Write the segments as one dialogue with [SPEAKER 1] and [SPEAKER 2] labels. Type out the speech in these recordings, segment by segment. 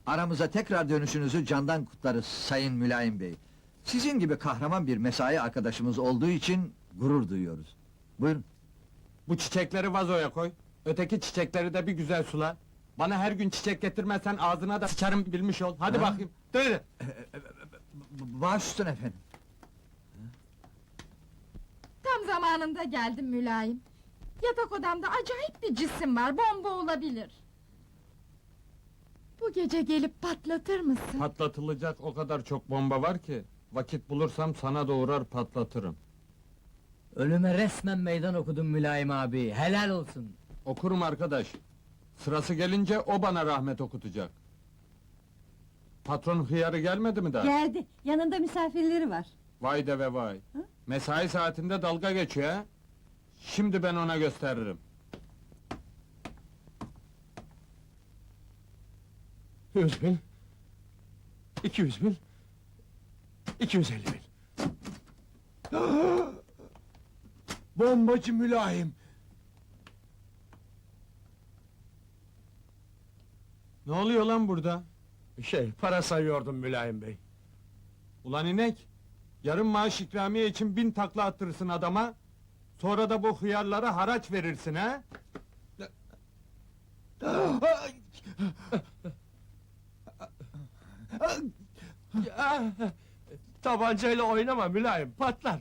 [SPEAKER 1] Aramıza tekrar dönüşünüzü candan kutlarız Sayın Mülayim Bey. Sizin gibi kahraman bir mesai arkadaşımız olduğu için gurur duyuyoruz. Buyurun.
[SPEAKER 2] Bu çiçekleri vazoya koy. Öteki çiçekleri de bir güzel sula. Bana her gün çiçek getirmezsen ağzına da sıçarım bilmiş ol. Hadi
[SPEAKER 1] Ha?
[SPEAKER 2] bakayım. Dur.
[SPEAKER 1] Baş üstüne efendim.
[SPEAKER 3] Tam zamanında geldim mülayim. Yatak odamda acayip bir cisim var, bomba olabilir. Bu gece gelip patlatır mısın?
[SPEAKER 2] Patlatılacak o kadar çok bomba var ki... ...vakit bulursam sana da uğrar patlatırım.
[SPEAKER 4] Ölüme resmen meydan okudun Mülayim abi, helal olsun.
[SPEAKER 2] Okurum arkadaş. Sırası gelince o bana rahmet okutacak. Patron hıyarı gelmedi mi daha?
[SPEAKER 5] Geldi, yanında misafirleri var.
[SPEAKER 2] Vay de ve vay. Mesai saatinde dalga geçiyor ha? Şimdi ben ona gösteririm.
[SPEAKER 6] 100.000, 200.000, 250.000. Bombacı Mülayim!
[SPEAKER 2] Ne oluyor lan burada?
[SPEAKER 6] Para sayıyordum Mülayim Bey.
[SPEAKER 2] Ulan inek! Yarın maaş ikramiye için 1000 takla attırırsın adama... ...sonra da bu hıyarlara haraç verirsin ha?
[SPEAKER 6] Tabancayla oynama Mülayim, patlar!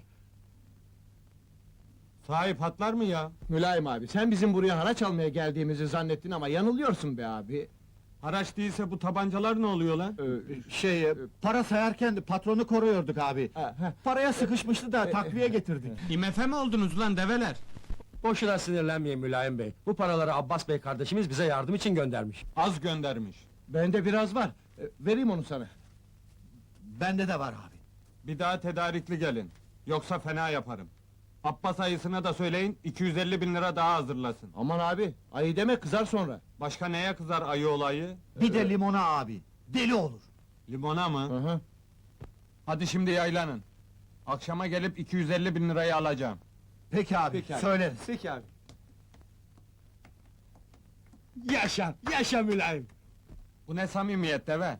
[SPEAKER 2] Sahi patlar mı ya?
[SPEAKER 6] Mülayim abi, sen bizim buraya haraç almaya geldiğimizi zannettin ama yanılıyorsun be abi.
[SPEAKER 2] Haraç değilse bu tabancalar ne oluyor lan?
[SPEAKER 6] Para sayarken de patronu koruyorduk abi. Paraya sıkışmıştı da takviye getirdik.
[SPEAKER 2] IMF mi oldunuz lan develer?
[SPEAKER 6] Boşuna sinirlenmeyin Mülayim Bey. Bu paraları Abbas Bey kardeşimiz bize yardım için göndermiş.
[SPEAKER 2] Az göndermiş.
[SPEAKER 6] Bende biraz var. Vereyim onu sana.
[SPEAKER 1] Bende de var abi.
[SPEAKER 2] Bir daha tedarikli gelin. Yoksa fena yaparım. Abbas ayısına da söyleyin, 250.000 lira daha hazırlasın.
[SPEAKER 6] Aman abi, ayı deme kızar sonra.
[SPEAKER 2] Başka neye kızar ayı olayı?
[SPEAKER 1] Bir de limona abi. Deli olur.
[SPEAKER 2] Limona mı?
[SPEAKER 6] Hı hı.
[SPEAKER 2] Hadi şimdi yaylanın. Akşama gelip 250.000 lirayı alacağım.
[SPEAKER 1] Peki abi,
[SPEAKER 6] Peki abi.
[SPEAKER 1] söyleriz.
[SPEAKER 6] Peki abi. Yaşa, yaşa Mülayim!
[SPEAKER 2] Bu ne samimiyet deve?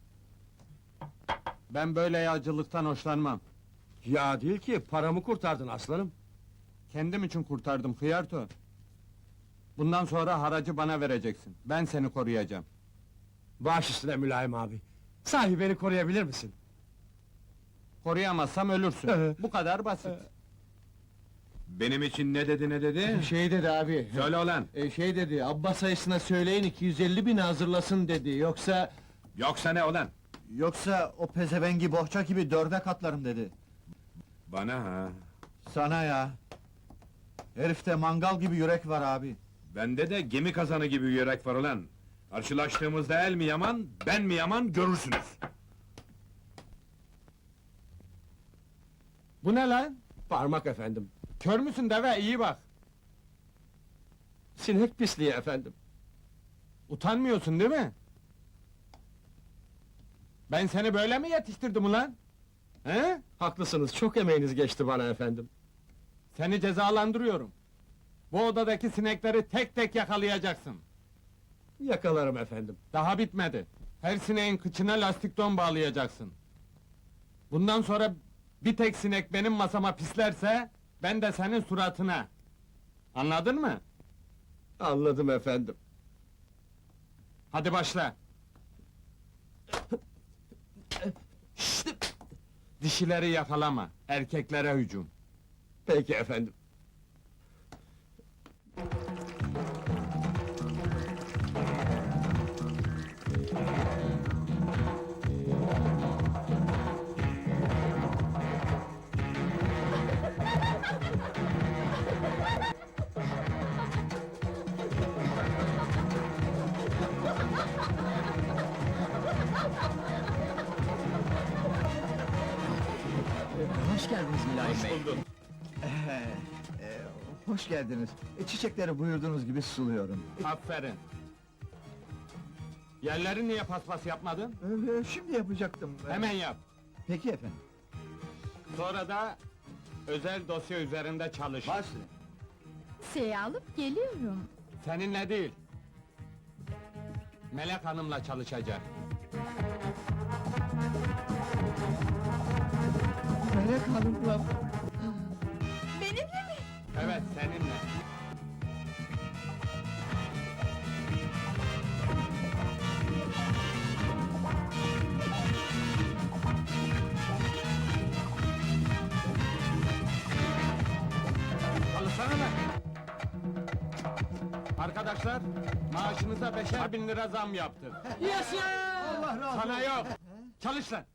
[SPEAKER 2] Ben böyle yağcılıktan hoşlanmam.
[SPEAKER 6] Ya değil ki, paramı kurtardın aslanım.
[SPEAKER 2] Kendim için kurtardım hıyarto. Bundan sonra haracı bana vereceksin. Ben seni koruyacağım.
[SPEAKER 6] Baş üstüne Mülayim abi. Sahi beni koruyabilir misin?
[SPEAKER 2] Koruyamazsam ölürsün.
[SPEAKER 6] Evet.
[SPEAKER 2] Bu kadar basit.
[SPEAKER 7] Benim için ne dedi ne dedi?
[SPEAKER 6] Şey dedi abi.
[SPEAKER 7] Söyle ulan!
[SPEAKER 6] Şey dedi, Abbas ayısına söyleyin 250.000 hazırlasın dedi, yoksa...
[SPEAKER 7] Yoksa ne ulan?
[SPEAKER 1] Yoksa o pezevengi bohça gibi 4'e katlarım dedi.
[SPEAKER 7] Bana ha?
[SPEAKER 1] Sana ya. Herifte mangal gibi yürek var abi.
[SPEAKER 7] Bende de gemi kazanı gibi yürek var ulan! Karşılaştığımızda el mi yaman, ben mi yaman görürsünüz!
[SPEAKER 2] Bu ne lan?
[SPEAKER 6] Parmak efendim.
[SPEAKER 2] Kör müsün deve, iyi bak!
[SPEAKER 6] Sinek pisliği efendim.
[SPEAKER 2] Utanmıyorsun değil mi? Ben seni böyle mi yetiştirdim ulan? He?
[SPEAKER 6] Haklısınız, çok emeğiniz geçti bana efendim.
[SPEAKER 2] Seni cezalandırıyorum. Bu odadaki sinekleri tek tek yakalayacaksın.
[SPEAKER 6] Yakalarım efendim.
[SPEAKER 2] Daha bitmedi. Her sineğin kıçına lastik don bağlayacaksın. Bundan sonra bir tek sinek benim masama pislerse... ...ben de senin suratına. Anladın mı?
[SPEAKER 6] Anladım efendim.
[SPEAKER 2] Hadi başla. Dişileri yakalama, erkeklere hücum.
[SPEAKER 6] Peki efendim.
[SPEAKER 4] Hoş geldiniz Mülayim Bey.
[SPEAKER 1] Hoş geldiniz. Çiçekleri buyurduğunuz gibi suluyorum.
[SPEAKER 2] Aferin. Yerleri niye paspas yapmadın?
[SPEAKER 1] Şimdi yapacaktım.
[SPEAKER 2] Hemen yap.
[SPEAKER 1] Peki efendim.
[SPEAKER 2] Sonra da... ...özel dosya üzerinde çalış.
[SPEAKER 1] Başla.
[SPEAKER 3] Şeyi alıp geliyorum.
[SPEAKER 2] Seninle değil. Melek Hanım'la çalışacak.
[SPEAKER 6] Melek Hanım'la...
[SPEAKER 3] Benimle mi?
[SPEAKER 2] Evet, seninle. Çalışsana lan! Arkadaşlar, maaşınıza 5'er bin lira zam yaptık.
[SPEAKER 4] Yaşa!
[SPEAKER 6] Allah razı
[SPEAKER 2] Sana yok! Çalış lan!